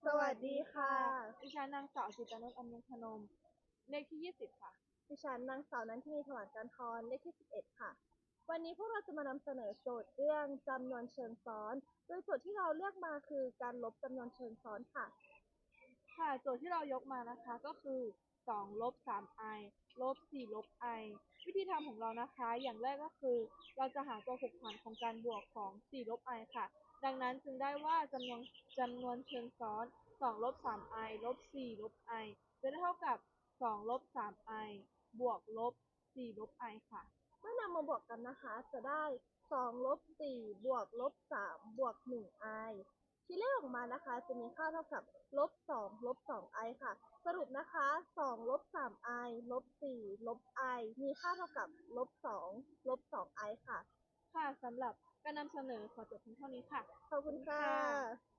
สวัสดีค่ะดิฉันนางสาวจิตรนุชอำนวยพนมเลขที่20ค่ะดิฉันนางสาวนันทินีถวันกันทรเลขที่11ค่ะวันนี้พวกเราจะมานำเสนอโจทย์เรื่องจำนวนเชิงซ้อนโดยโจทย์ที่เราเลือกมาคือการลบจำนวนเชิงซ้อนค่ะค่ะโจทย์ที่เรายกมานะคะก็คือ2ลบ 3i ลบ4ลบ i วิธีทำของเรานะคะอย่างแรกก็คือเราจะหาตัวผูกพันของการบวกของ4ลบ i ค่ะดังนั้นจึงได้ว่าจำนวนเชิงซ้อน2ลบ 3i ลบ4ลบ i จะได้เท่ากับ2ลบ 3i บวกลบ4ลบ i ค่ะเมื่อนำมาบวกกันนะคะจะได้2ลบ4บวกลบ3บวก1i ที่เลขออกมานะคะจะมีค่าเท่ากับลบ2ลบ 2i ค่ะสรุปนะคะ2ลบ 3i ลบ4ลบ i มีค่าเท่ากับลบ2ลบ 2i ค่ะค่ะสำหรับการนำเสนอขอจบเพียงเท่านี้ค่ะขอบคุณค่ค่ะะ